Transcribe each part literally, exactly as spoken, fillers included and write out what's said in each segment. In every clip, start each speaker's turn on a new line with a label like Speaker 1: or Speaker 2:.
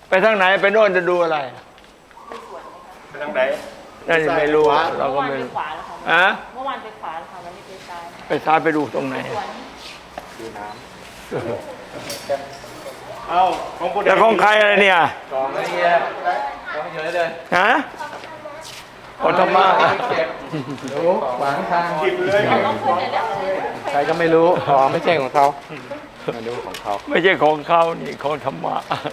Speaker 1: ไปทางไหนไปโน่นจะดูอะไร
Speaker 2: ไปทางไหน
Speaker 1: นั่นไม่รู้เราก็ไม่รู้อะ
Speaker 3: เมื่อวานไปขวาแล้วค่ะวันนี้ไปซ้าย
Speaker 1: ไปซ้ายไปดูตรงไหน
Speaker 2: ดูน้ำเอ้าของผู้ใด
Speaker 1: แต่ของใครอะไรเนี่ย
Speaker 2: กองอะไรเงี้ยกองเฉยเลย
Speaker 1: ฮะโอธรรมะ
Speaker 2: รู้ขวางทางจิบเลยใครก็ไม่รู้อ๋อไม่ใช่ของเขาไม่รู้ของเขา
Speaker 1: ไม่ใช่ของเขานี่ของธรรมะ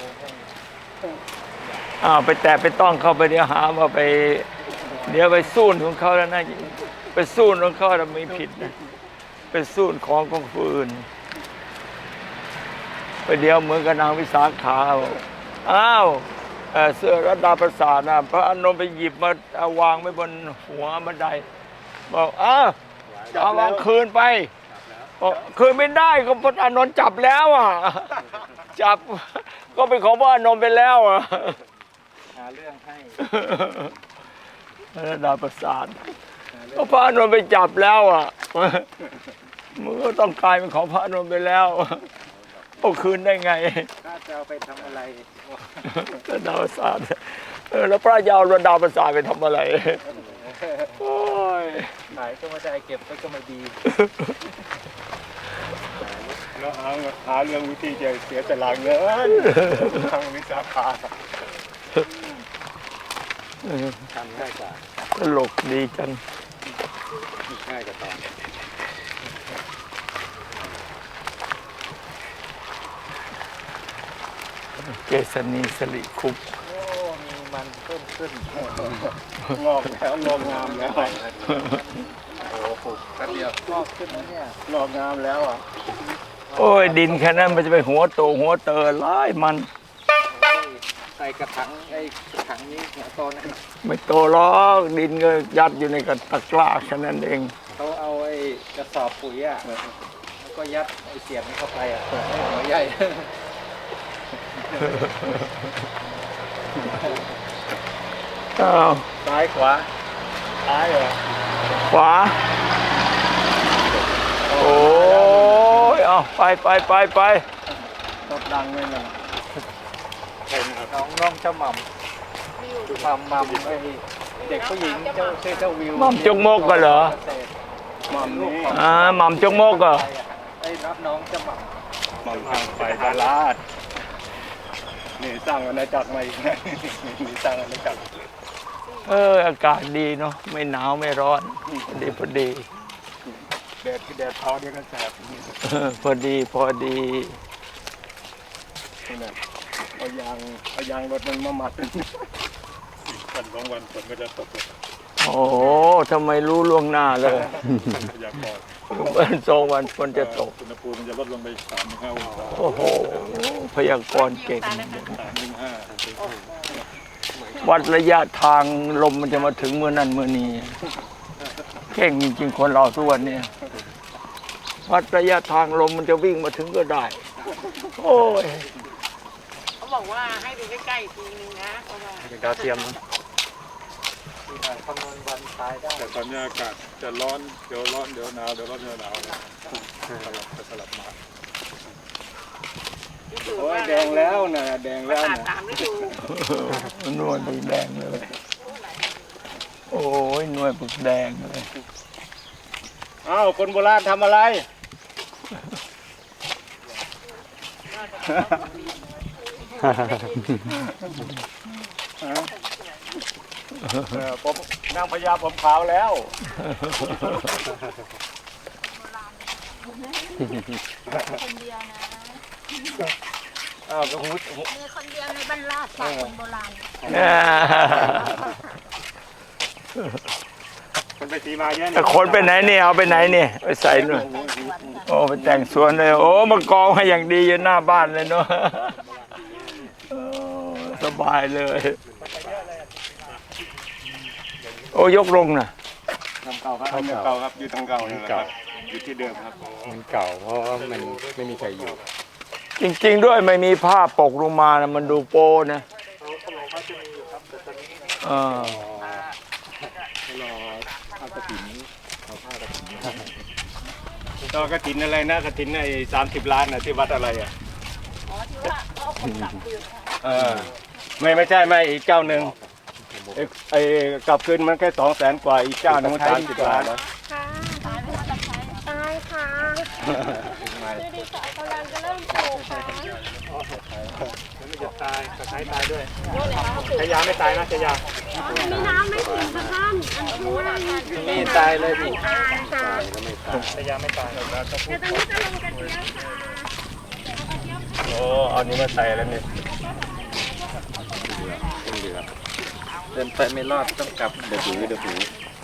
Speaker 1: อ้าวไปแตะไปต้องเข้าไปเดี๋ยวหาว่าไปเดี๋ยวไปสู้ของเขาแล้วนะไปสู้ของเขาเราไม่ผิดนะไปสู้ของของผู้อื่นไปเดี๋ยวเหมือนกับนางวิสาขาอ้าวเสื้อรัตดาประสาทนะพระอานนท์ไปหยิบมาวางไว้บนหัวบันไดบอกอ้าวเอาวางคืนไปคืนไม่ได้ก็พระอานนท์จับแล้วอ่ะจับก็เป็นของพระอานนท์ไปแล้วอ่ะ
Speaker 2: หาเรื่องให้
Speaker 1: รัตดาประสาทก็พระอานนท์ไปจับแล้วอ่ะมึงก็ต้องกลายเป็นของพระอานนท์ไปแล้วเอาคืนได้ไง
Speaker 2: ถ้าจะเอาไปทำอะไร
Speaker 1: ระดาประสาทเออแล้วพระยาวระดาประสาทไปทำอะไรโอ้ย
Speaker 2: ขายก็ไม่ได้เก็บก็ไม่ดีแล้วหาหาเรื่องวิธีจะเสียแต่หลังเงินทางวิสาขาทำง่ายกว่า
Speaker 1: ตลกดีจัง
Speaker 2: ง่ายกว่าตอน
Speaker 1: เกษณีสลิคุป
Speaker 2: โอ้มีมันเพิ่มขึ้นงอกแล้วงอกงามแล้วโอ้โหแป๊บเดียวงอกขึ้นแล้วเนี่ยงอกงามแล้วอ่ะ
Speaker 1: โอ้ยดินแค่นั้นมันจะไปหัวโตหัวเตอร้ายมัน
Speaker 2: ใส่กระถางไอ้กระถางนี้หัวโตนะ
Speaker 1: ไม่โตหรอกดินก็ยัดอยู่ในกระตะกร้าแค่นั้นเอง
Speaker 2: เขาเอาไอ้กระสอบปุ๋ยอ่ะแล้วก็ยัดไอ้เสียบนี้เข้าไปอ่ะให้หัวใหญ่
Speaker 1: อ้าว
Speaker 2: ซ้ายขวาซ้ายเหรอ
Speaker 1: ขวาโอ้ยเอาไปไปไปไป
Speaker 2: ตบดังเลยนะน้องน้องเจ้าหม่ำหม่ำหม่ำไอ้เด็กผู้หญิงเจ้าชื่อเจ้าวิว
Speaker 1: หม่ำจงโมกกันเหรอ
Speaker 2: หม่ำนี่
Speaker 1: อ่าหม่ำจงโมกเหรอ
Speaker 2: ไอ้รับน้องเจ้าหม่ำหม่ำทางไปดาราดนี่สร้างอาณาจักรใหม่นี่สร้างอาณาจักร
Speaker 1: เอออากาศดีเนาะไม่หนาวไม่ร้อนพอดีพอดี
Speaker 2: แดดแดดเผาเดียวกันแสบ
Speaker 1: พอดีพอดี
Speaker 2: นี่เอายางเอายางรถมันมามัดอีกวันสองวันฝนก็จะตก
Speaker 1: โอ้ทำไมรู้ล่วงหน้าเลย
Speaker 2: อยากบอก
Speaker 1: วันสองวันฝนจะตก
Speaker 2: อุณหภูมิมันจะลดลงไปสามถึงห้าองศา
Speaker 1: โอ้โหพยากรณ์เก่ง
Speaker 2: สามถึงห้า
Speaker 1: วัดระยะทางลมมันจะมาถึงเมื่อนั้นเมื่อนี้เก่งจริงๆคนเราทุกวันนี้วัดระยะทางลมมันจะวิ่งมาถึงก็ได้โอ้ย
Speaker 3: เขาบอกว่าให้ดูใกล้ๆทีนึงนะเพราะว่า
Speaker 2: เป็นดาวเทียมนะคำนวณวันตายได้แต่ตอนนี้อากาศจะร้อนเดี๋ยวร้อนเดี๋ยวหนาวเดี๋ยวร้อนเดี๋ยวหนาวสลับสลับมาโอ้ยแดงแล้วนะแดงแล้วนะ
Speaker 1: นวลปึกแดงเลยโอ้ยนวลปึกแดงเลย
Speaker 2: อ้าวคนโบราณทำอะไรผมนางพญาผมขาวแล้ว
Speaker 3: คนเดียวนะ
Speaker 2: อ้าวก็หู
Speaker 3: มีคนเดียวในบ้านลาดค่ะคนโบราณ
Speaker 2: คนไปสีมาเยอะเนี่ย
Speaker 1: คนไปไหนเนี่ยเอาไปไหนเนี่ยไปใส่หน่อยโอ้ไปแต่งสวนเลยโอ้มากองให้อย่างดีอยู่หน้าบ้านเลยเนาะสบายเลยโอ้ยกลงนะ
Speaker 2: ทำเก่าครับทำเก่าครับอยู่ทางเก่านี่เก่าอยู่ที่เดิมครับมันเก่าเพราะว่ามันไม่มีใครอยู่
Speaker 1: จริงๆด้วยไม่มีผ้าปกลงมานะมันดูโป้นะเออ
Speaker 2: รอผ้ากระถิ่นเอาผ้ากระถิ่นต่อกระถิ่นอะไรนะกระถิ่นไอ้สามสิบล้านนะที่วัดอะไรอ่ะอ๋อที่ว่าเขาเอาคนกลับคืน
Speaker 4: เออไม่ไม่ใช่ไม่อีกเจ้าหนึ่งไอ้ไอ้กลับคืนมันแค่สองแสนกว่าอีกเจ้าหนึ่งมันสามสิบล้าน
Speaker 5: ค่ะตายไหมคะตะไคร้ตายค่ะดูดีค่ะกำลังจะเริ่มปลูกค่ะ
Speaker 2: มันจะตายตะไคร้ตายด้วย
Speaker 5: โน่นเลยค่ะปลูก
Speaker 2: ชายาไม่ตายนะชายา
Speaker 5: มีน้ำไม่ถึงค่ะท่านอันนู้นอ่ะ
Speaker 4: นี่ตายเลยพี่
Speaker 5: ตายค่ะ
Speaker 2: ชายาไม่ตาย
Speaker 5: เดี๋ยวตอนนี้จะลงกระเทียมค่ะ
Speaker 4: โอ้เอานี้มาใส่แล้วนี่
Speaker 6: เดินไปไม่รอดต้องกลับเดือดหูเดือดหู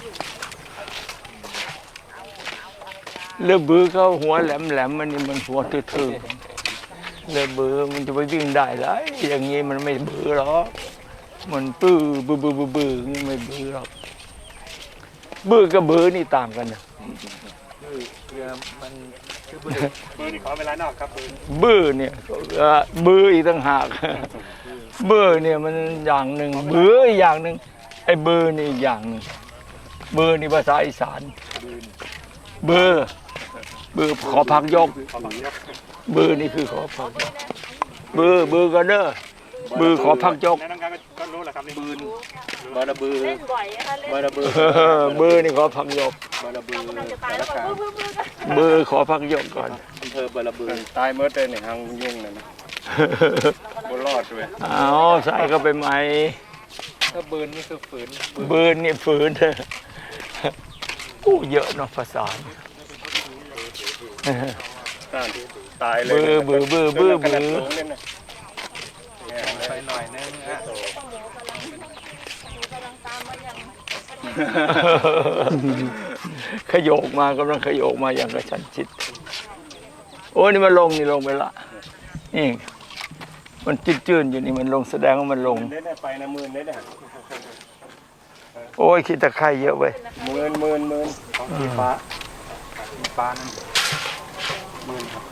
Speaker 1: เลือบือเขาหัวแหลมแหลมๆมันนี่มันหัวทื่อๆเลือบือมันจะไปวิ่งได้ไรอย่างงี้มันไม่บือหรอกมันปื้อบือบือบือบืออย่างงี้ไม่บือหรอกบือกับบือนี่ต่างกันนะ
Speaker 6: เรือมันคือบุ
Speaker 2: ปืนขอเวลานอกครับปืน
Speaker 1: บือเนี่ยเอ่อบืออีกต่างหากบือเนี่ยมันอย่างหนึ่งบืออีกอย่างหนึ่งไอ้บือนี่อีกอย่างหนึ่งบือนี่ภาษาอีสานบือบือขอพักยก
Speaker 2: ขอบังยก
Speaker 1: บือนี่คือขอพักยกบือบือกันเด้อบือขอพักยก
Speaker 2: แนะนำการก็รู้แหละครับนี่
Speaker 6: บืนบาระบือ
Speaker 5: เล่นบ่อยนะคะเล่น
Speaker 6: บาระบือ
Speaker 1: เออบือนี่ขอพักยก
Speaker 6: บาระบือ
Speaker 5: จะตายแล้วก็บึ้บบึ้บบึ้บกัน
Speaker 1: บือขอพักยกก่อน
Speaker 6: อำเภอบาระบือ
Speaker 4: ตายเมื่อเดือนนี่หางยุ่งเลยนะบุรอดด้วย
Speaker 1: เอาใส่เข้าไปใหม่
Speaker 6: ถ้าบืนนี่คือฝืน
Speaker 1: บืนนี่ฝืนกู้เยอะเนาะภาษา
Speaker 4: ตายเลย
Speaker 1: บือบือบือบือบือ
Speaker 6: ไปหน่อยนึงอ่ะ
Speaker 1: ขยโยกมากำลังขยโยกมาอย่างกระชั้นชิด โอ้นี่มันลงนี่ลงไปละนี่มันจืดๆอยู่นี่มันลงแสดงว่ามันลง
Speaker 4: เล่นไปนะหมื่นเล่น
Speaker 1: โอ้ยขี้ตะไคร่เยอะเว้ย
Speaker 4: หมื่นหมื่นหมื่น
Speaker 2: ของสีฟ้าสีฟ้านั่นหมื่นครับ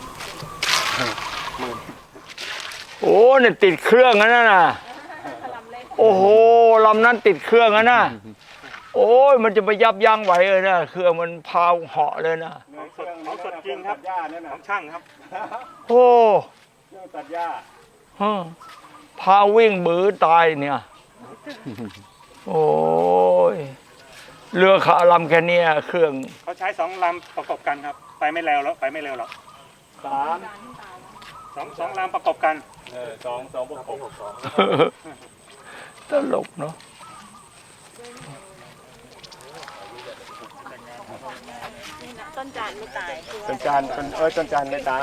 Speaker 1: โอ้เนี่ยติดเครื่องนั่นน่ะโอ้โหลำนั้นติดเครื่องนั่นน่ะโอ้ยมันจะไปยับยั้งไหวเลยนะเครื่องมันพาวเหาะเลยนะ
Speaker 2: ของสดของสดจริงครับ
Speaker 4: หญ้านั่น
Speaker 2: ข
Speaker 4: น่ะ
Speaker 2: องช่างครับ
Speaker 1: โอ้
Speaker 4: เครื่องตัดหญ้า
Speaker 1: ฮะพาวิ่งบือตายเนี่ย โอ้ยเรือขาลำแค่เนี้ยเครื่อง
Speaker 2: เขาใช้สองลำประกอบกันครับ ไปไม่เร็วแล้วไปไม่เร็วหรอก
Speaker 4: สาม
Speaker 2: สองสองลำประกอบกัน
Speaker 4: เออสองสองบวกหก
Speaker 1: ตลกเนาะ
Speaker 5: ต้นจานไม่ตายคือ
Speaker 4: ต้นจานต้นเอ้ยต้นจานไม่ตาย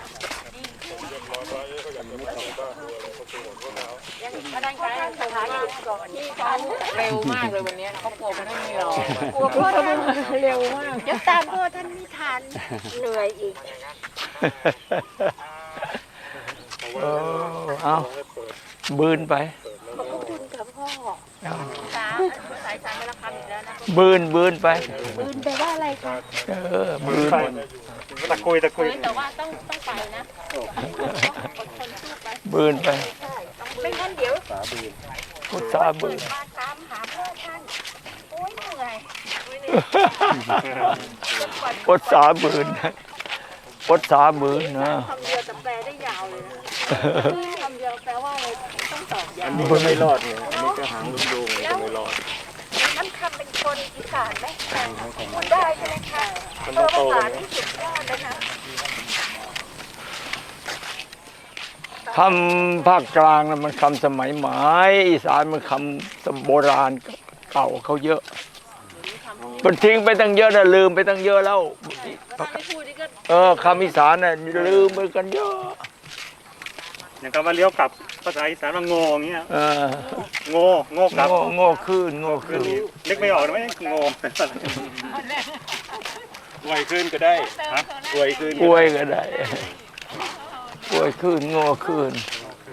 Speaker 5: พนักงานสถานีก่อนที่เขา
Speaker 3: เร็วมากเลยวันนี้เขากลัวมันไม่รอก
Speaker 5: ลัวพ่อท่านเร็วมากเดี๋ยวตามพ่อท่านไม่ทันเหนื่อยอีก
Speaker 1: เออเอาบืนไป
Speaker 5: ขอบคุณกับพ่อสาสายสารราคาอีกแล้วนะ
Speaker 1: บืนบืนไป
Speaker 5: ปืนแปลว่าอะไรคะ
Speaker 1: เออบืน
Speaker 2: ตะกุยตะกุย
Speaker 5: แต่ว่าต้องต้องไปนะอดทนสู้ไป
Speaker 1: บืนไป
Speaker 5: ใช่ไม่งั้นเดี๋ยว
Speaker 1: พุทธาบืน
Speaker 5: มาตามหาพ่อท่านโอ้ยเหนื่อย
Speaker 1: พดสาบืนพดสาบืนนะ
Speaker 5: คำเดียวแต่แปลได้ยาวเลยนะคำเดียวแปลว่าอะไรต้องตอบยาว
Speaker 4: นี่ก็ไม่รอดเนี่ยอันนี้ก็หางลุงโดงก็ไม่รอด
Speaker 5: น้ำคำเป็นคนอีสานไหมพูดได้ใช่ไหมคะเออภาษาที่สุดยอดเลยนะ
Speaker 1: คำภาคกลางนะมันคำสมัยใหม่อีสานมันคำโบราณเก่าเขาเยอะมันทิ้งไปตั้งเยอะนะลืมไปตั้งเยอะแล้ว
Speaker 5: ถ้าไม่พูดนี่ก็
Speaker 1: เออคำอีสานน่ะลืมไปกันเยอะ
Speaker 2: อย่างกับว่าเลี้ยวกลับภาษาอีสานว่าโง่อย่างเงี้ย
Speaker 1: เออ
Speaker 2: โง่โง่กลับ
Speaker 1: โง่โง่ขึ้นโง่ขึ้น
Speaker 2: นึกไม่ออกเลยไหมโง่
Speaker 4: อวยขึ้นก็ได้ฮะอวยขึ้น
Speaker 1: ป่วยก็ได้ป่วยขึ้นโง่ขึ้น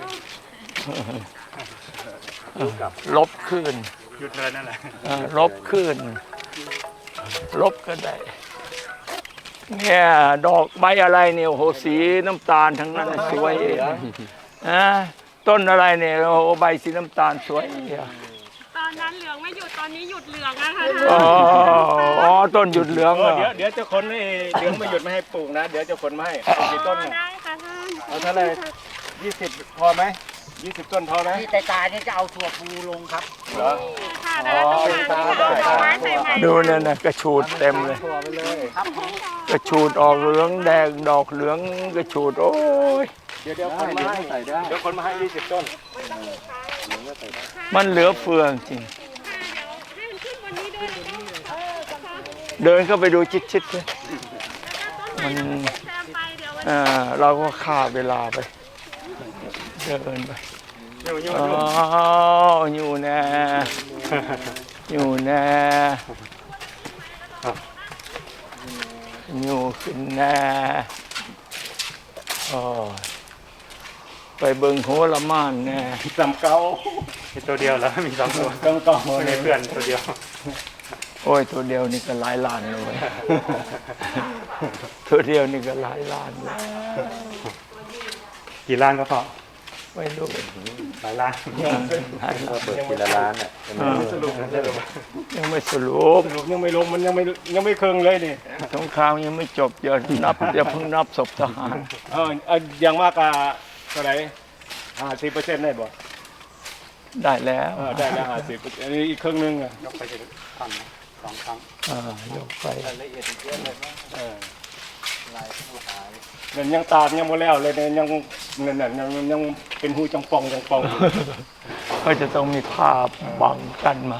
Speaker 1: ลบขึ้น
Speaker 2: หยุดเลยนั่นแหละ
Speaker 1: เออลบขึ้น ลบก็ได้ เนี่ยดอกใบอะไรเนี่ยโอ้โหสีน้ำตาลทั้งนั้นสวยอ่ะนะต้นอะไรเนี่ยโอ้โหใบสีน้ำตาลสวยอ่ะ
Speaker 5: ตอนนั้นเหลืองไม่หยุดตอนนี้หยุดเหลืองอะค่ะ
Speaker 1: อ๋ออ๋อต้นหยุดเหลือง
Speaker 4: เอ
Speaker 1: เหร
Speaker 4: อ
Speaker 1: อ
Speaker 4: เดี๋ยวเดี๋ยวจะขนให้เดี๋ยวไม่หยุดไม่ให้ปลูกนะ เดี๋ยวจะขนมาให้เอากี่ต้นเนี่ย
Speaker 5: ได้ค่ะท่าน
Speaker 4: เอาเท่าไหร่ยี่สิบพอไหมยี่สิบต้นพอไหม
Speaker 3: ที่ตายๆนี่จะเอาถั่วพูลงครับ
Speaker 4: เหรอ
Speaker 5: ค่ะนะต้องการที่จะเอาไม้ใส่ใหม่
Speaker 1: ดูเนี่ยนะกระชูดเต็มเลย
Speaker 6: ถั่วไปเลย
Speaker 3: ครับผม
Speaker 1: กระชูดออกเหลืองแดงดอกเหลืองกระชูดโอ้ย
Speaker 4: เดี๋ยวเดี๋ยวคนมาให้
Speaker 6: ใส่ได้
Speaker 4: เดี๋ยวคนมาให้ยี่สิบต้น
Speaker 1: มันเหลือเฟือจริงเดินเข้าไปดูชิดๆเลยมันเอ่อเราก็ฆ่าเวลาไปเดินไป
Speaker 4: อยู่อยู่
Speaker 1: อ๋ออยู่แน่อยู่แน่อยู่ขึ้นแน่โอ้ยไปเบิ่งหัวละม่านแน่
Speaker 4: สำเกา
Speaker 2: มีตัวเดียวแล้วมีสองตัว
Speaker 4: ต้องเกา
Speaker 2: มีเพื่อนตัวเดียว
Speaker 1: โอ้ยตัวเดียวนี่ก็หลายล้านเลย ตัวเดียวนี่ก็หลายล้านเลย
Speaker 2: กี่ล้านก็พอ
Speaker 1: ไม่รู้
Speaker 2: หลายล้าน
Speaker 1: หลายล้าน
Speaker 6: เปิดทีละร้านอ่ะ
Speaker 1: เออ
Speaker 4: สรุปสรุป
Speaker 1: ยังไม่สรุป
Speaker 4: สรุปยังไม่ลงมันยังไม่ยังไม่เคืองเลยนี่
Speaker 1: สงครามยังไม่จบอย่านับอย่าเพิ่งนับศพทหาร
Speaker 4: เออเอาอย่างมากอะเท่าไหร่ห้าสิบเปอร์เซ็นต์ได้บ่
Speaker 1: ได้แล้ว
Speaker 4: เออได้แล้วห้าสิบอันนี้อีกครึ่งหนึงอะ
Speaker 2: ยกไปทีละครั้งสองครั้ง
Speaker 1: อ่ายกไป
Speaker 6: รายละเอียดอีกเยอะเลยมั้ง
Speaker 4: เออ
Speaker 6: ลายผู้หาย
Speaker 4: นั่นยังตามยังบ่แล้วเลยเนี่ยยังนั่นน่ะยังยังเป็นหูจังปองจังปองอยู่
Speaker 1: ก็จะต้องมีผ้าบังกันมา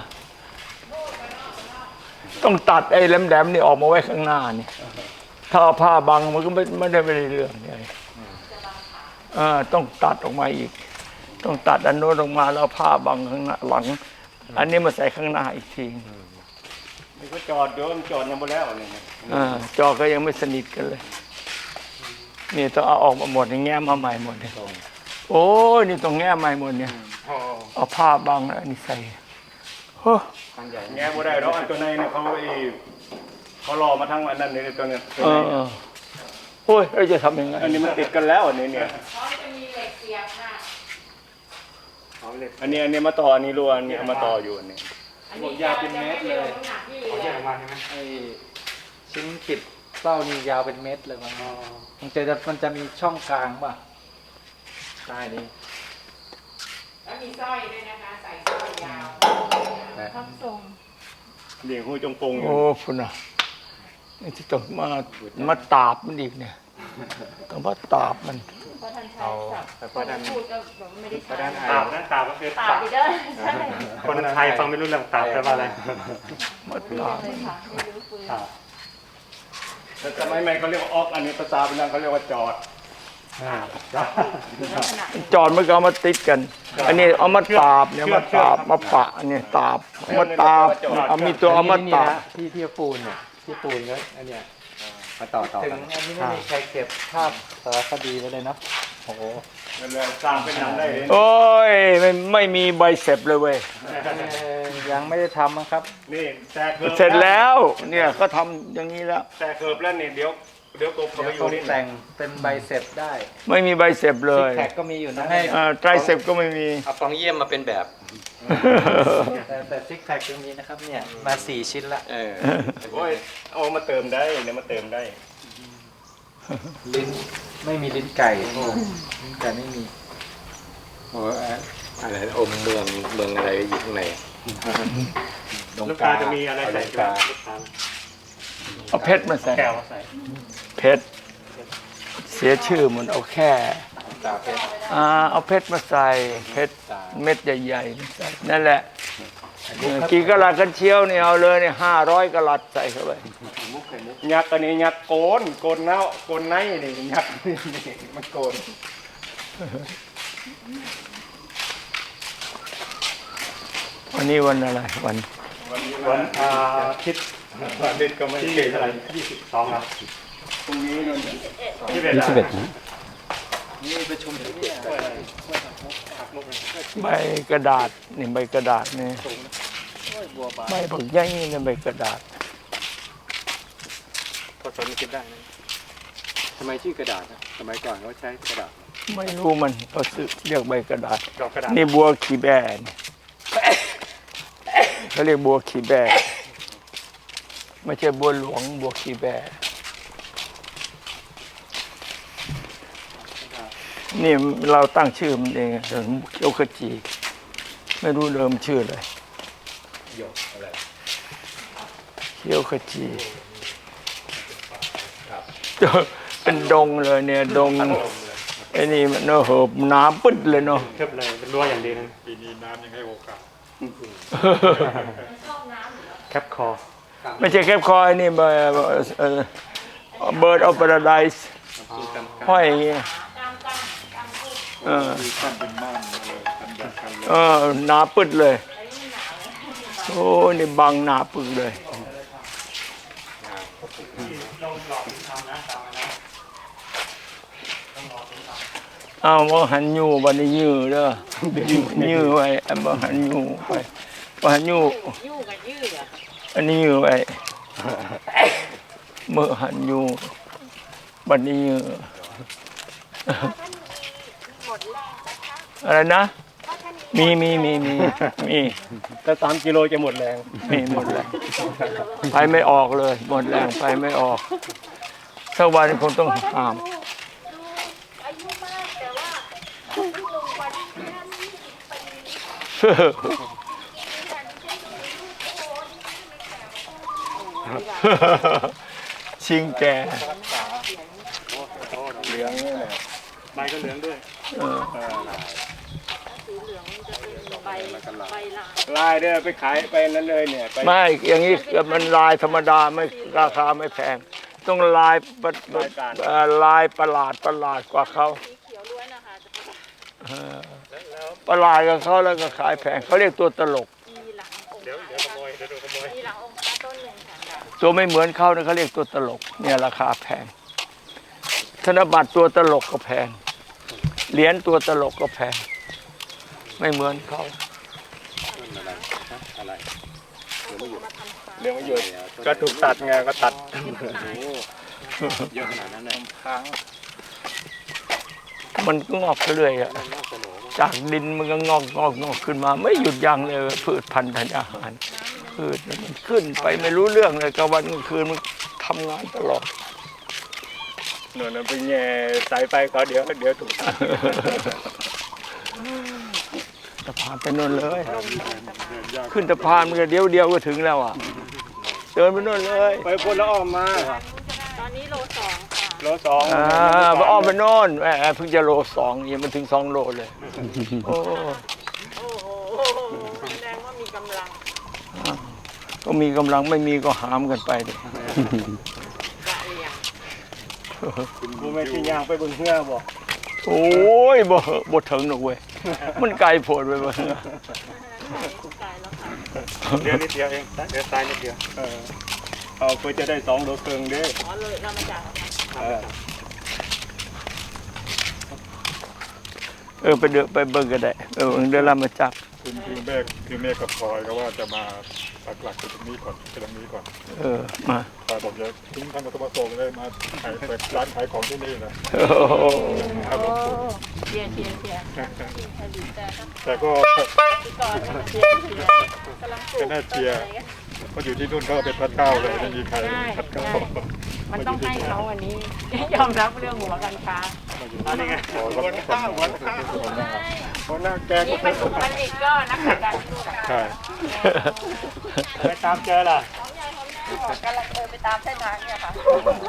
Speaker 1: ต้องตัดไอ้แหลมๆนี่ออกมาไว้ข้างหน้านี่ถ้าเอาผ้าบังมันก็ไม่ไม่ได้ไม่ได้เรื่องไงเออต้องตัดออกมาอีก ต้องตัดอันโน้นออกมาแล้วเอาผ้าบังข้างหน้าหลัง อันนี้มาใส่ข้างหน้าอีกที
Speaker 4: นี่ก็จอดเดินจอดยังบ่แล้วนี่นะ
Speaker 1: อ่าจอก็ยังไม่สนิทกันเลย นี่ต้องเอาออกมาหมดนี่แง้มมาใหม่หมดเนี่ยโอ้ยนี่ต้องแง้มใหม่หมดเนี่ยเอาผ้าบังอันนี้ใส่โอ้
Speaker 4: แง่บ่ได้หรอกอันตัวในเนี่ยเขาไอ้เขารอมาทั้งอันนั้นนี่ตัวเนี้ยตัว
Speaker 1: เอ
Speaker 4: ใน
Speaker 1: อเออโอ้ยเราจะทำยังไง
Speaker 4: อันนี้มันติดกันแล้วอันนี้เนี่ย
Speaker 3: เขาจะมีเหล็กเสียบค่ะ
Speaker 4: อันนี้อันนี้มาต่ออันนี้รัวอันนี้เอามาต่ออยู่อันนี้
Speaker 3: อันนี้ยาวเป็นเมตรเลย
Speaker 2: เอาแยกออกมาใช่ไหม
Speaker 6: ไอ้ชิ้นขิดเป้านี่ยาวเป็นเม็ดเลยมันมันจะมันจะมีช่องกลางป่ะใต้นี้
Speaker 3: แล้วมีสร้อยด้วยนะคะ ใส่สร้อยยาว
Speaker 6: นะ
Speaker 5: ทำส่ง
Speaker 4: เลี้ยงหูจงปงอยู่
Speaker 1: โอ้พุ่นอ่ะนี่ที่ต้องมามาตาบมันอีกเนี่ยต้องมาตาบมัน
Speaker 5: เพราะท่านใช้
Speaker 6: เอา
Speaker 5: ศัพท์
Speaker 6: แต่พอดัน
Speaker 5: พูดก็แบบไม่ได้
Speaker 6: พอ
Speaker 5: ใช้
Speaker 6: ดันไอ
Speaker 2: ตาบนะตาบก็คือ
Speaker 5: ตา
Speaker 2: ตาบ
Speaker 5: ดีเด้อใช่
Speaker 2: คนไทยฟังไม่รู้เรื่องตาบแปลว่าอะไร
Speaker 1: มา
Speaker 5: รู้
Speaker 1: ตาบ
Speaker 5: เลยค่ะไม่รู้ปืน
Speaker 2: ตาบ
Speaker 4: แต่สมัยใหม่เขาเรียกว่าออกอันนี้ภาษาเป็นนั่นเขาเรียกว่าจอด
Speaker 2: อ่า
Speaker 5: ลักษณะ
Speaker 1: จอดมันก็เอามาติดกัน อันนี้เอามาตาบเนี่ยมาตาบมาปะเนี่ยตาบเอามาตาบเอามีตัวเอามาตาบ
Speaker 6: ที่ที่ปูนเนี่ยที่ปูนแล้วอันเนี้ยมาต่อต่อถึงอันนี้ไม่มีใครเก็บภาพสารคดีไว้เลยเนาะโอ้โห
Speaker 4: นั่นแหละสร้างเป็นหนังได้เลย
Speaker 1: โอ้ยไม่ไม่มีใบเสร็จเลยเว้ย
Speaker 6: เอ่อยังไม่ได้ทำมั้งครับ
Speaker 4: นี่แต่เคิบ
Speaker 1: เสร็จแล้ว เนี่ยก็ทำอย่างนี้แล้ว
Speaker 4: แต่เคิบแล้วนี่เดี๋ยวเดี๋ยวกบเขา
Speaker 6: เดี๋
Speaker 4: ไป
Speaker 6: ยว
Speaker 4: อยู่
Speaker 6: เขา
Speaker 4: นี่
Speaker 6: แต่งเป็นใบเสร็จได้
Speaker 1: ไม่มีใบเสร็จเล
Speaker 6: ซิก
Speaker 1: ย
Speaker 6: แพคก็มีอยู่นะ
Speaker 1: อ่าไตรเสร็จก็ไม่มี
Speaker 6: เอาฟองเยี่ยมมาเป็นแบบ แต่แต่ซิกแพคยังมีนะครับเนี่ยมาสี่ชิ้นละเออ
Speaker 4: โอ้ยเอามาเติมได้เนี่ยมาเติมได้
Speaker 6: ลิ้นไม่มีลิ้นไก่โอ้ลิ้นไก่ไม่มีโอ้อะไรอมเมืองเมืองอะไรอยู่ข้างใน
Speaker 2: ลูกตาจะมีอะไรใส่กาลูกตา
Speaker 1: เอาเพชรมาใส่
Speaker 2: แก้วมาใส่
Speaker 1: เพชรเสียชื่อหมันเอาแค่
Speaker 6: ตาเพชร
Speaker 1: อ่าเอาเพชรมาใส่เพชรเม็ดใหญ่ๆมาใส่นั่นแหละเออกี่กะลัดกันเชียวนี่เอาเลยเนี่ยห้าร้อยกะลัดใส่เข้าไป
Speaker 4: ยักษ์อันนี้ยักษ์โกนโกนเน่าโกนในนี่ยักษ์นี่มันโกน
Speaker 1: วันนี้วันอะไรวัน
Speaker 4: วันนี้
Speaker 2: วั
Speaker 4: วัน น
Speaker 2: อาทิตย์
Speaker 4: วันนี้ก็ไม่
Speaker 2: ที่
Speaker 4: เก่ง
Speaker 2: เท่าไหร่ยี่สิบสองครับ
Speaker 4: พรุ่งนี้นู่น
Speaker 2: ยี่สิบเอ็ด
Speaker 6: นี่ประชุมถึงเนี่ย
Speaker 1: ใบกระดาษนี่ใบกระดาษนี่ใบบักใหญ่นี่ใบกระดาษ
Speaker 2: พอสนคิดได้นะทำไมชื่อกระดาษนะสมัยก่อนเขาใช้กระดาษ
Speaker 1: ไม่รู้มันเขาซื้อเรียกใบกระดาษ
Speaker 2: ดอกกระดาษ
Speaker 1: นี่บัวขีแบนเขาเรียกบัวขีแบนไม่ใช่บัวหลวงบัวขีแบนนี่เราตั้งชื่อมันเองเขียวขจี ไม่รู้เดิมชื่ออะไรเขียวขจีเป็นดงเลยเนี่ยดงไอ้นี่มันเนอะเหิบน้ำปึ๊ดเลยเนาะ
Speaker 4: เทียบเลยเป็นรั้วอย่างดีนะ
Speaker 2: ปีนี้น้ำยังให้โอกาส
Speaker 4: แคปคอ
Speaker 1: ไม่ใช่แคบคอยนี่เบอร์เบิร์ดออฟพาราไดส์ห้อยอย่างเงี้ยเออ
Speaker 2: คือขั้นเป็นม่านเลยขั้นแบบกันเลย
Speaker 1: เออหนาปึ๊ดเลยโอ้นี่บังหนาปึ๊ดเลยอ้าวบ่หันอยู่บัดนี้ยื้อเด้อยื้อไว้อันบ่หันอยู่ไปบ่หันอยู่
Speaker 3: ยู่กับยืดอ่ะ
Speaker 1: อันนี้ยื้อไว้เมื่อหันอยู่บัดนี้ยื้อ
Speaker 5: หมดแรงนะคะ
Speaker 1: อะไรนะ
Speaker 5: เพราะท่าน
Speaker 1: มีมีมีมีมี
Speaker 4: ถ้าสามกิโลจะหมดแรง
Speaker 1: มีหมดแรงไปไม่ออกเลย หมดแรงไปไม่ออกสักวันคงต้องห้าม
Speaker 5: ดูอายุมากแต่ว่าลุงกว่าที่ท่านยี่สิบปีที่ท่านใช้ดูลูกโอ้ยไม่แข็ง
Speaker 1: ชิงแก
Speaker 4: เหลืองนี่แหละใบก็เหลืองด้วย
Speaker 1: เออ
Speaker 4: ลายเด้อไปขายไปนั้นเลยเนี่ยไป
Speaker 1: ไม่อย่างนี้มันลายธรรมดาไม่ราคาไม่แพง ต้องลายประเอ่อลายประหลาดประหลาดกว่าเขาเออประหลาดกับเขาแล้วก็ขายแพงเขาเรียกตัวตลก
Speaker 4: เดี๋ยวเดี๋ยวขโมยเดี๋ยวโดนขโมย
Speaker 1: ตัวไม่เหมือนเขาเนี่ยเขาเรียกตัวตลก เนี่ยราคาแพง ธนบัตรตัวตลกก็แพง เหรียญตัวตลกก็แพง ไม่เหมือนเขา
Speaker 4: เหลืองไม่หยุดก็ถูกตัดไงก็ตัด
Speaker 6: เยอะขนาดนั้นเลย
Speaker 1: มันก็งอกเรื่อยๆอะจากดินมันก็งอกงอกงอกขึ้นมา ไม่หยุดยั้งเลยพืชพันธุ์ธัญญาหารพืชมันขึ้นไปไม่รู้เรื่องเลยกลางวันกลางคืนมันทำงานตลอด
Speaker 4: หนูนั่นไปแง่สายไฟเขาเดี๋ยวเดี๋ยวถูกตัด
Speaker 1: สะพานไปโน่นเลย ขึ้นสะพานมันก็เดียวเดียวก็ถึงแล้วอ่ะ เดินไปโน่นเลย
Speaker 4: ไปพ้นแล้วออกมา
Speaker 3: ตอนนี้โลสองค่ะ
Speaker 4: โลสอง
Speaker 1: อ่าไปอ้อมไปโน่นแหมเพิ่งจะโลสองยังมันถึงสองโลเลย โอ้
Speaker 3: โอ้โหแสดงว่ามีกำลัง
Speaker 1: ก็มีกำลังไม่มีก็หามกันไปดิ
Speaker 3: กะเหลี่ยง
Speaker 4: กูไม่ที่ย่างไปบนเรือบอก
Speaker 1: โอ้ยบ่บ่ถึงหรอกเว้ย มันไกลโผล่ไปบ่
Speaker 3: ตายแล้วค่ะ
Speaker 4: เดี๋ยวนิดเดียวเองเดี๋ยวตายนิดเดียวเออเอาเพื่อจะได้สองโลครึ่งเด้
Speaker 3: อ๋อเลยเรามาจาก
Speaker 4: เออ
Speaker 1: เออไปเดินไปเบิ่งก็ได้เออเดินลำมาจับ
Speaker 2: คุณคือเมฆคือเมฆกับพลอยก็ว่าจะมาปักหลักตรงนี้ก่อนตรงนี้ก่อน
Speaker 1: เออมา
Speaker 2: พลอยบอกจะทิ้งท่านมาส่งเลยมาขายเปิดร้านขายของที่นี่นะ
Speaker 1: โอ้โห
Speaker 2: ครับผม
Speaker 3: เชียร์เชียร์เชียร์แต่
Speaker 2: แต่ก็
Speaker 3: ที่ก่อนเชียร์เชียร์กำลังปลู
Speaker 2: ก็
Speaker 3: ก
Speaker 2: น่าเชียร์เพราะอยู่ที่นู่นก็เป็นพัดเก้าเลยไม่มีใครพัดเก้า
Speaker 3: มันต้องให้เขาวันนี้ ยอมรับเรื่องหัวกันค้า
Speaker 4: อันนี้ไง
Speaker 2: ขอรับคน
Speaker 4: คนหน้าแก
Speaker 3: นี่
Speaker 4: ก็
Speaker 3: มันมันอีกก็นักการทูต
Speaker 2: ใช่
Speaker 4: ไปตามเจอล่ะ
Speaker 5: กำลังเดินไปตามเส้นทางเนี่ยค่ะ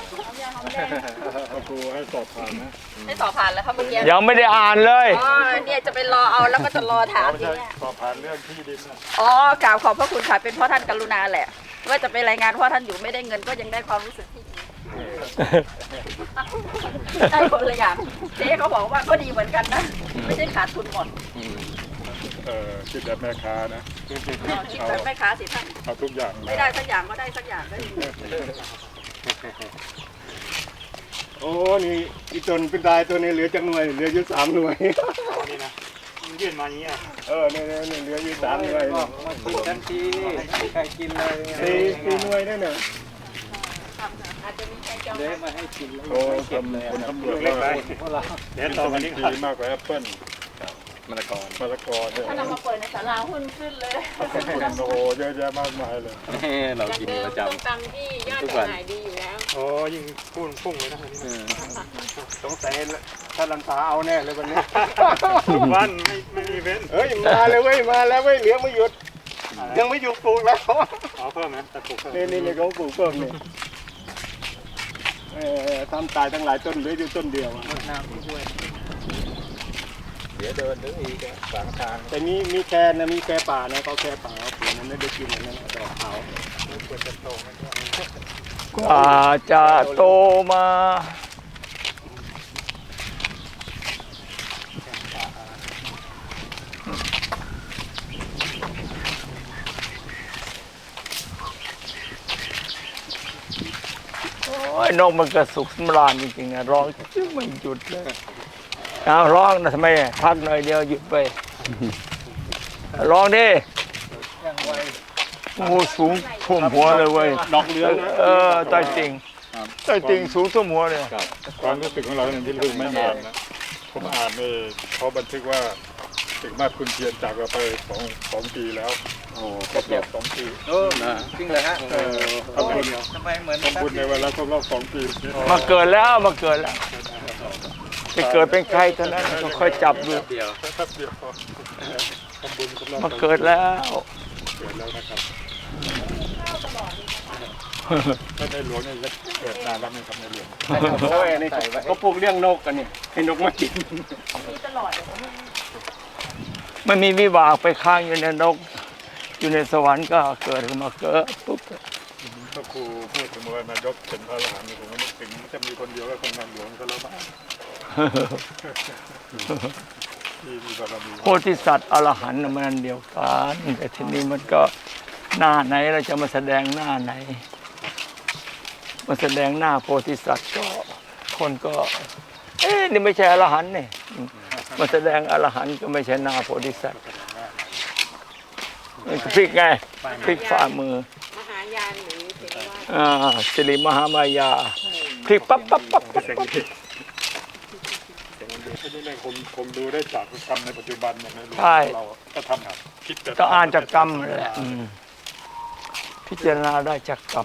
Speaker 2: ครูให้สอบผ่านนะ
Speaker 5: ให้สอบผ่านแล้วครับเมื่อกี้
Speaker 1: ยังไม่ได้อ่านเลย
Speaker 5: อ๋อเนี่ยจะไปรอเอาแล้วก็จะรอถาม
Speaker 2: ไม่
Speaker 5: ที
Speaker 2: ใช่
Speaker 5: เนี่ย
Speaker 2: สอบผ่านเรื่องที่ดินนะ
Speaker 5: อ๋อกราบขอบพระคุณค่ะเป็นเพราะท่านกรุณาแหละ ว่าจะไปรายงานว่าท่านอยู่ไม่ได้เงินก็ยังได้ความรู้สึกที่ดีได้คนละอย่างเจ๊เขาบอกว่าก็ดีเหมือนกันนะไม่ใช่ขาดทุนหมด
Speaker 2: เออคิดแบบแม่ค้านะ
Speaker 5: คิดแบบแม่ค้าสิท่าน
Speaker 2: เอาทุกอย่าง
Speaker 5: ไม่ได้สักอย่างก็ได้สักอย่างก็ดี
Speaker 4: โอ้นี่อีตนเป็นตายตัวนี้เหลือจังหน่วยเหลืออยู่สามหน่วย
Speaker 7: นี่นะมันยื่นมาอย่างนี้อ่ะ
Speaker 4: เออเนี่ยเนี่ยเหลืออยู่สามหน่วย
Speaker 6: มากินทันทีใครกินเลย
Speaker 4: สี่สี่หน่วยนั่นน่ะ
Speaker 5: อาจจะมีใครจอง
Speaker 6: เละมาให้กินแล้ว
Speaker 2: โอ้ทำคนตำรวจเรา
Speaker 7: เพราะเราเดี๋ยว
Speaker 2: วิ
Speaker 7: ต่อ
Speaker 2: ตา
Speaker 7: กั
Speaker 2: มิ
Speaker 7: น
Speaker 2: น
Speaker 7: นี้
Speaker 2: ดีมากกว่าแอปเปิ้ล
Speaker 6: มะละกอ
Speaker 2: มะละกอเนี่ย
Speaker 5: ถ้าเรามาเปิดในศาลาหุ้นขึ้นเลย
Speaker 2: โอ้โหเยอะแยะมากมายเลย
Speaker 6: เรา
Speaker 3: จาก
Speaker 6: กิน
Speaker 3: เดิม
Speaker 6: ประ
Speaker 3: ต้ม
Speaker 6: จำ
Speaker 3: ตำที่ยอดขายดีอยู่แล้ว
Speaker 7: โอ้ยิ่งพุ่งพุ่งเลยนะ
Speaker 6: เออ
Speaker 4: สงสัยพถ้าลันตาเอาแน่เลยวันนี้
Speaker 7: ทุกวันไม่ไม่มีเว้น
Speaker 4: เฮ้ยมาเลยเว้ยมาแล้วเว้ยเหลืองไม่หยุดยังไม่หยุดปลูกแล้ว
Speaker 7: เอาเพิ่มไหมแต่ปลูกเพิ่ม
Speaker 4: นี่นี่นี่เขาปลูกเพิ่มนี่เออทำตายทั้งหลายต้นเหลืออยู่ต้นเดียวอะ
Speaker 6: น้ำที่ห้วยเดี๋ยวเดินถึงอีกอะขวางทาง
Speaker 4: แต่มีมีแคนนะมีแคป่านะเขาแคป่าเขาปลูกนั้นไม่ได้กินอันนั้นดอกขาว
Speaker 6: ควรจะโตมันก็
Speaker 1: กว่าจะโตมาโอ้ยนกมันก็สุขสำราญจริงๆนะร้องจึงไม่หยุดเลยเอาร้องนะทำไมพักหน่อยเดียวหยุดไปร้องดิโอ้โหสูงท่วมหัวเลยเว้ย
Speaker 4: ดอกเหลืองนะ
Speaker 1: เออใต้ติ่งใต้ติ่งสูงท่วมหัวเลย
Speaker 2: ครับความรู้สึกของเราเนี่ยที่รู้ไม่นานนะผมอ่านนี่เขาบันทึกว่าถึงมาคุณเทียนจากเราไปสองสองปีแล้ว
Speaker 4: โอ้
Speaker 2: ครบรอบสองปี
Speaker 6: เออจริงเลยฮะ
Speaker 2: เออทำบุญ
Speaker 6: ทำไมเหมือน
Speaker 2: ทำบุญในวันแล้วครบรอบสองปี
Speaker 1: มาเกิดแล้วมาเกิดแล้วจะเกิดเป็นใครเท่านั้นก็ค่อยจับดู
Speaker 6: เดียว
Speaker 2: แป๊บเดียวพอทำบุญครบรอบ
Speaker 1: มาเกิดแล้ว
Speaker 2: เกิดแล้วนะครับถ้าในหลวงเนี่ยเกิดนานแล้วไหมครับในหลวง
Speaker 4: โอ้ยนี่เขาปลูกเลี้ยงนกกันนี่ให้นกมากิน
Speaker 1: ไม่มีวิบากไปค้างอยู่ในนก อยู่ในสวรรค์ก็เกิดขึ้นมาเกิดปุ๊บ
Speaker 2: พระครูพูดถึงว่านายกเป็นพระอรหันต์ผมก็นึกถึงจะมีคนเดียวก็คงนายหลวงก็แล้วบ้างที่มีบารมี
Speaker 1: โพธิสัตว์อรหันต์น่ะมันอันเดียวกันแต่ทีนี้มันก็หน้าไหนเราจะมาแสดงหน้าไหน มาแสดงหน้าโพธิสัตว์ก็คนก็ เอ๊ะนี่ไม่ใช่อรหันต์นี่มาแสดงอรหันต์ก็ไม่ใช่หน้าโพธิสัตว์มันก็พลิกไงพลิกฝ่ามือ
Speaker 3: มหายานหรือเทวา
Speaker 1: อ่าสิริมหามายาพลิกปั๊บปั๊บปั๊บปั๊บ
Speaker 2: เสียง
Speaker 1: ปั๊บ
Speaker 2: ดีเสียงดีอันนี้เนี่ยคงคงดูได้จากกรรมในปัจจุบันเนี่ยนะเราก็ทำครับคิดแต่
Speaker 1: ก็อ่านจากกรรมแหละอืมพิจารณาได้จากกรรม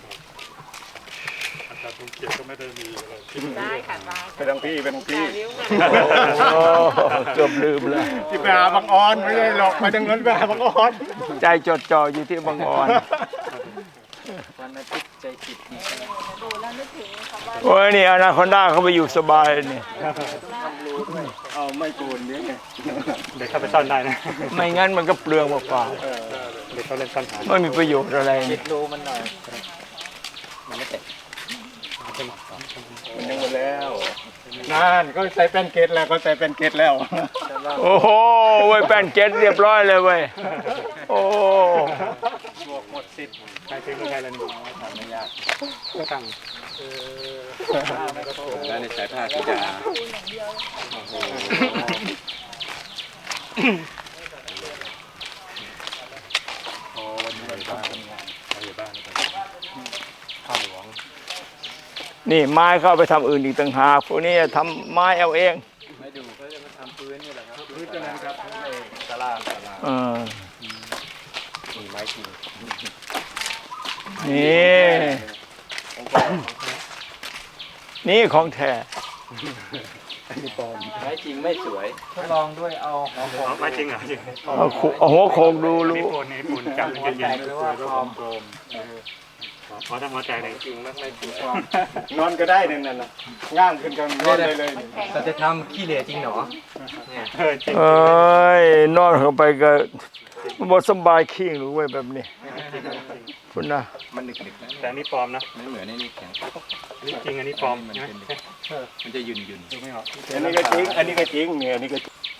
Speaker 2: อาจารย์สมเกียรติก็ไม่ได้มีอะไรคิด
Speaker 3: ได้ค่ะได้
Speaker 4: ไปทางพี่ไปทางพี่
Speaker 3: นิ้วมา
Speaker 1: โอ้เกือบลืมแล้ว
Speaker 4: ที่ไปหาบางออนไม่ใช่หรอกไปทางนั้นไปหาบางออน
Speaker 1: ใจจดจ่ออยู่ที่บางอ่อน
Speaker 6: วันอาทิตย์ใจจิตนี่
Speaker 1: โอ้ยนี่อนาคอนด้าเขาไปอยู่สบายนี่
Speaker 4: เอาไม่โกนเนี่ย
Speaker 7: เด็กเข้าไปซ่อนได้นะ
Speaker 1: ไม่งั้นมันก็เปลืองเปล่า
Speaker 7: เด็กเขาเล่นซ่อนหา
Speaker 1: ๆไม่มีประโยชน์อะไร
Speaker 6: จิ
Speaker 1: นี่
Speaker 6: ตรู้มันหน่อยมันไม่เตะ
Speaker 4: มันยังหมดแล้วนั่นก็ใส่แป้นเกตแล้วก็ใส่แป้นเกตแล้ว
Speaker 1: โอ้โหเว้ยแป้นเก็ตเรียบร้อยเลยเว้ยโอ้
Speaker 7: หมดสิทธิ์ใครซื้อใครแล้วนี่ทำไม่ยากตั้ง
Speaker 6: แล้วในสายผ้ากีฬา
Speaker 1: นี่ไม้เข้าไปทำอื่นอีกต่างหากพวกนี้ทำไม้เอาเอง
Speaker 6: ไม่ดูเขาจะมาทำพื้นนี่แหละครับ
Speaker 4: พื้นตัวนั้นครับในตลาด
Speaker 1: เออ
Speaker 6: มีไม้จริง
Speaker 1: นี่นี่ของแท้
Speaker 6: ไม้จริงไม่สวยทดลองด้วยเอาหัวโข
Speaker 7: เอาไม่จริงเหรอจริง
Speaker 1: เอาขุเอาหัวโขกดู
Speaker 7: นี่
Speaker 1: รู้
Speaker 7: ปูนนี่ปูนจับมันเย็น
Speaker 6: หรือว่าปลอม
Speaker 2: โกม
Speaker 7: ๆพอถ้าหัวใจเลย
Speaker 6: จริงมันไม่สวย
Speaker 4: นอนก็ได้นั่นน่ะง่ามขึ้นกันนอนได้เลย
Speaker 6: เราจะทำขี้เหร่จริงเหรอเนี่ย
Speaker 7: เออจริง
Speaker 1: เอ้ยนอนเข้าไปก็บ่สบายขี้หรือเว้ยแบบนี้คุณนะ
Speaker 6: มันหนึกๆนะ
Speaker 7: แต่อันนี้ปลอมนะ
Speaker 6: ไม่เหมือนในนี่แข็ง
Speaker 7: อันนี้จริงอันนี้ปลอม
Speaker 6: มัน
Speaker 7: ใช่ไหม
Speaker 6: เป็นมันจะหยุ่นหยุ่น
Speaker 7: ดูไม่ออก
Speaker 4: อันนี้ก็จริงอันนี้ก็จริงเนี่ยอันนี้ก็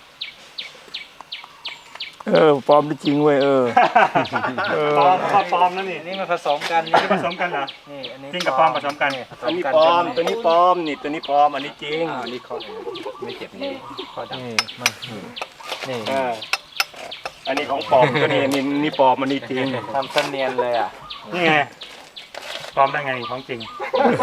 Speaker 1: เออปลอมได้จริงเว้ยเออเออ
Speaker 7: ปลอมปลอมนะนี่
Speaker 6: นี่มันผสมกัน
Speaker 7: นี่ผสมกันเหรอ
Speaker 6: นี่อันนี้
Speaker 7: จริงกับปลอมผสมกัน
Speaker 4: อันนี้ปลอมตัวนี้ปลอมนี่ตัวนี้ปลอมอันนี้จริง
Speaker 6: อ้าวนี่เขาไม่เจ็บนี่เขาดับ
Speaker 1: นี่มัน
Speaker 6: นี่
Speaker 4: อ่าอันนี้ของปลอมตัวนี้นี่นี่ปลอมอันนี้จริง
Speaker 6: ทำเสนียนเลยอ่ะ
Speaker 7: นี่ไงปลอมได้ไงนี่ของจริง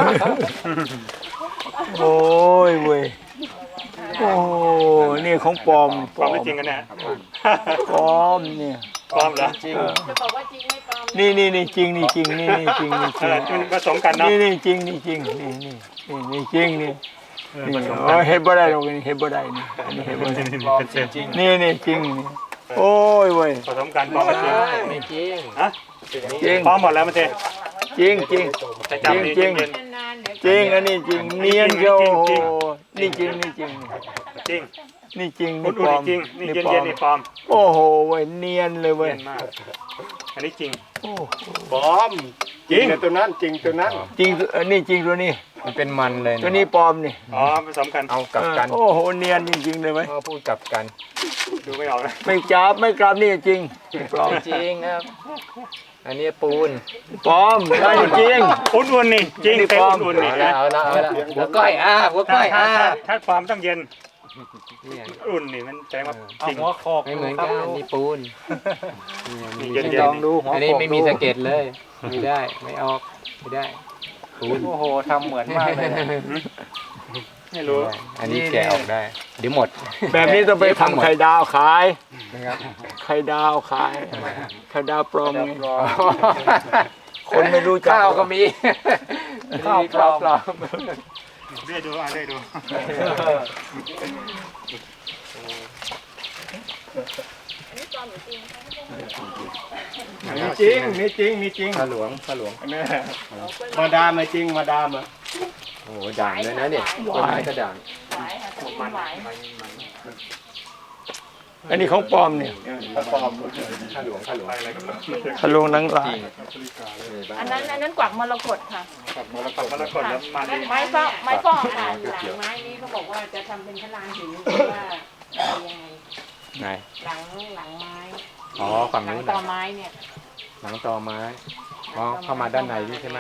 Speaker 1: โอ้ยเว้ยโอ้นี่ของปลอม
Speaker 7: ปลอมไม่จริงกันแน่
Speaker 1: ปลอมเนี่ย
Speaker 7: ปลอมเหรอ
Speaker 6: จริง
Speaker 3: จะบอกว่าจริงไม่ปลอม
Speaker 1: นี่นี่นี่จริงนี่จริงนี่นี่จริงนี่จ
Speaker 7: เอ
Speaker 1: ริง
Speaker 7: อมันผสมกันเนาะ
Speaker 1: นี่นี่จริงนี่จริงนี่นี่นี่นี่จริงนี่นี่โอ้ยเห็นบ่ได้หรอกนี่เห็นบ่ได้นี่อันนี้เห็นบ่ได้
Speaker 7: ปลอมจริง
Speaker 1: นี่นี่จริงนี่โอ้ยเว้ย
Speaker 2: ผสมกันปลอมกับจริง
Speaker 6: ไม่จริง
Speaker 2: ฮะ
Speaker 1: จริง
Speaker 2: ปลอมหมดแล้วมันเจ
Speaker 1: จริงจริง
Speaker 2: จะจับดีจริงเย็น
Speaker 3: นานๆเดี๋ยว
Speaker 1: จริงอันนี้จริงเนียนเชียวโอ้โหนี่จริงนี่จริง
Speaker 2: จริง
Speaker 1: นี่จริง
Speaker 2: อุ่
Speaker 1: นี่ปลอม
Speaker 2: นๆจริงนี่เย็นเย็นๆนี่ปลอม
Speaker 1: โอ้โหเว้ยเนียนเลยเว้ย
Speaker 2: เย็นมากอันนี้จริง
Speaker 1: โอ้
Speaker 4: ปลอมจริงนะตัวนั้นจริงตัวนั้น
Speaker 1: จริงอันนี้จริงตัวนี้
Speaker 6: มันเป็นมันเลย
Speaker 1: ตัวนี้ปลอมนี่
Speaker 2: อ๋อผสมกัน
Speaker 6: เอากลับกัน
Speaker 1: เออโอ้โหเนียนจริงๆเลยเว้ย
Speaker 6: พ่อพูดกลับกัน
Speaker 2: ดูไม่ออกนะ
Speaker 1: ไม่จับไม่กลับนี่จริงปลอม
Speaker 6: จริงครับ อันนี้ปูน
Speaker 1: ปลอมได้จริง
Speaker 2: อุ่นๆนี่จริง
Speaker 1: นี่
Speaker 2: เต็ม
Speaker 1: ปลอม
Speaker 2: อุ่นๆนี่
Speaker 6: เอา
Speaker 2: นะ
Speaker 6: ละเอาละเอาละหัวก้อยอ่าหัวก้
Speaker 2: ถ้า
Speaker 6: อย
Speaker 2: ถ้า
Speaker 6: อ่า
Speaker 2: ถ้าถ้าความต้องเย็น
Speaker 6: เนี่ย
Speaker 2: อุ่นนี่มันแสดงว่าจริง
Speaker 7: หัวโขก
Speaker 6: ไม่เหมือนกันนี่ปูน
Speaker 2: นี่เย็นๆ
Speaker 7: ลองดูหัว
Speaker 6: อัน
Speaker 7: โข
Speaker 6: นี้
Speaker 7: ก
Speaker 6: ไม่มีสะเก็ดเลย ไม่ได้ไม่ออกไม่ได้ปูน
Speaker 7: โอ้โหทำเหมือนมากเลยนะ
Speaker 2: ไม่รู้
Speaker 6: อันนี้แกะออกได้ เดี๋ยวหมด
Speaker 1: ๆแบบนี้ต้องไปทำไข่ดาวขาย
Speaker 6: นะครับ
Speaker 1: ไข่ดาวขายไข่ดาวปลอมไงคนไม่รู้จัก
Speaker 6: ข้าวก็มี
Speaker 7: ข้าวปลอม
Speaker 6: ปลอม
Speaker 2: เรียกดูอ่ะเรียกดู
Speaker 4: มีจริงมีจริงมีจริง
Speaker 6: ข้าหลวงข้าหลวง
Speaker 4: นี่มาดามมาจริงมาดามอ่ะ
Speaker 6: โอ้โหด่างเลยนะเนี่ยต้นไม้ก็ด่าง
Speaker 5: หวายค่ะต้นหวาย
Speaker 1: อันนี้ของปลอมเนี่ย
Speaker 4: ปลอม
Speaker 6: ข้าหลวงข้าหลวง
Speaker 1: ทะลวงหนังลาย
Speaker 5: อันนั้นอันนั้นกวักมรกตค่ะ
Speaker 2: กับมรกตมรกตแล้วมันนี่
Speaker 3: ไม้ฟอกไม้ฟอกหลังหลังไม้นี้เขาบอกว่าจะทำเป็นพระลานหินหรือว่าอะไรยังไง
Speaker 6: ไหน
Speaker 3: หลังหลังไม้
Speaker 6: อ๋อฝั่ง
Speaker 3: หลัง
Speaker 6: นู้น
Speaker 3: ต่อ
Speaker 6: น่ะ
Speaker 3: ไม้เนี่ย
Speaker 6: หลังตอไม้อ๋อเข้ามาด้านในนี่ใช่ไหม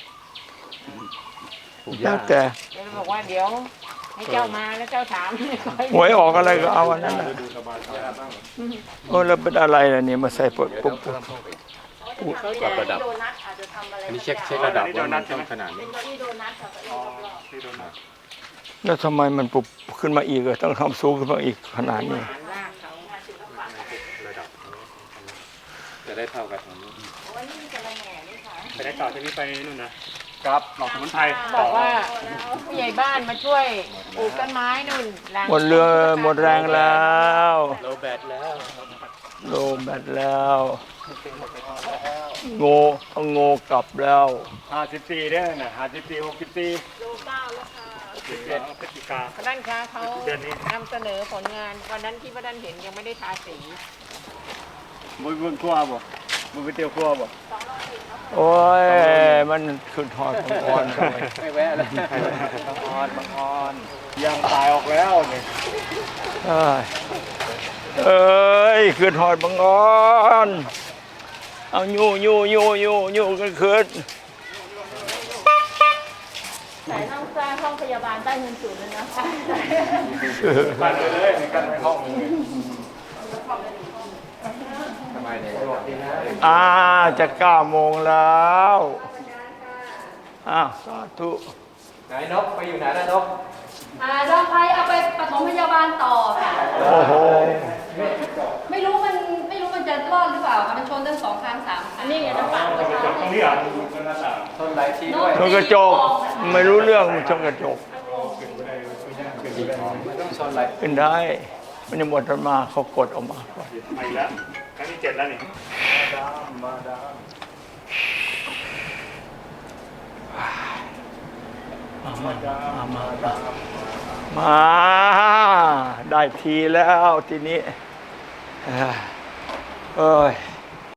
Speaker 6: ปลูกห
Speaker 1: แล้
Speaker 6: ญ้าว
Speaker 1: แต่
Speaker 3: เดี๋ยวบอกว่าเดี๋ยวให้เจ้ามาแล้วเจ้าถาม
Speaker 1: หวยออกอะไรก็เอาอันนั้นน่ะโอ้แล้วเป็นอะไรล่ะเนี่ยมาใส่ปุ๊บปุ๊บปุ๊บ
Speaker 5: เขาจะที่โดนัทอาจจะทำอะไร
Speaker 6: อันนี้เช็คเช็คระดับว่ามันต้องขนาด
Speaker 5: เป็
Speaker 6: นี้
Speaker 5: นเก้าอี้โดนัทค่ะเก้าอี้รอบ
Speaker 2: ที่โดนนะ
Speaker 1: แล้วทำไมมันปุ๊บขึ้นมาอีกอะต้องทำสูงขึ้นมาอีกขนาดนี้
Speaker 3: ฐานรากเขา
Speaker 6: ระดับจะได้เท่ากับตรงนี้
Speaker 5: ๆวันนี้มีกระแหน่ด้วยค่ะ
Speaker 2: ไปได้ต่อที่นี่ไปนู่นนะ
Speaker 7: ครับ
Speaker 2: หลอกสมุนไพร
Speaker 3: บอกว่าผู้ใหญ่บ้านมาช่วยปลูกต้นไม้นู่นหลัง
Speaker 1: หมดเรือหมดแรงแล้ว
Speaker 6: โลแบตแล้ว
Speaker 1: โลแบตแล้วโง่เอาโง่กลับแล้ว
Speaker 4: ห้าสิบสี่ได้น่ะห้าสิบสี่หกสิบสี่
Speaker 5: โลเก้าแล้วค่ะ
Speaker 2: สิบเอ็ดพฤศจิกา
Speaker 3: ด้านค้าเขา
Speaker 2: เดือนนี้
Speaker 3: นำเสนอผลงานวันนั้นที่พระด้านเห็นยังไม่ได้ทาสี
Speaker 4: บุญบุญครัวบ่บุญไปเตียวครัวบ่
Speaker 1: โอ้ยมันขึ้นทอดของอ่อนไป
Speaker 6: ไม่แวะแล้ว
Speaker 7: บางออนบางออน
Speaker 4: ยางตายออกแล้วนี่
Speaker 1: เอ้ยเอ้ยขึ้นทอดบังอ่อนเอายู่ยู่ยู่ยู่ยู่กันขึ้น
Speaker 5: แต่ต้องสร้างห้องพยาบาลใต้เงินศูนย์เลยนะ
Speaker 4: กันไปเลยกันไปห้อง
Speaker 6: ทำไมเนี่ย
Speaker 1: อ่าจะเก้าโมงแล้วอ้าวสาธุ
Speaker 6: ไหนนกไปอยู่ไหนแล้วนก
Speaker 5: อ่าเราใครเอาไปปฐมพยาบาลต่อค่ะ
Speaker 1: โอ้โห
Speaker 5: ไม่รู้มันไม่รู้มันจะรอดหรือเปล่าค่ะมันชนตั้งสองครั้งสามครั้งนี่ไงน้ำปาก
Speaker 2: จบตรงนี้เหรอ
Speaker 6: ต้นไลทีด้วย
Speaker 1: ชนกระจกไม่รู้เรื่องมันชนกระจก
Speaker 6: ไม่ต้องชนไล
Speaker 1: ขึ้นได้ มันยังหมดมาเขากดออกมาก่อน
Speaker 2: ไปแล้วครั้งที่เจ็ดแล้วนี่
Speaker 1: มามามามามา ได้ทีแล้วทีนี้เอ้ยเอ้ย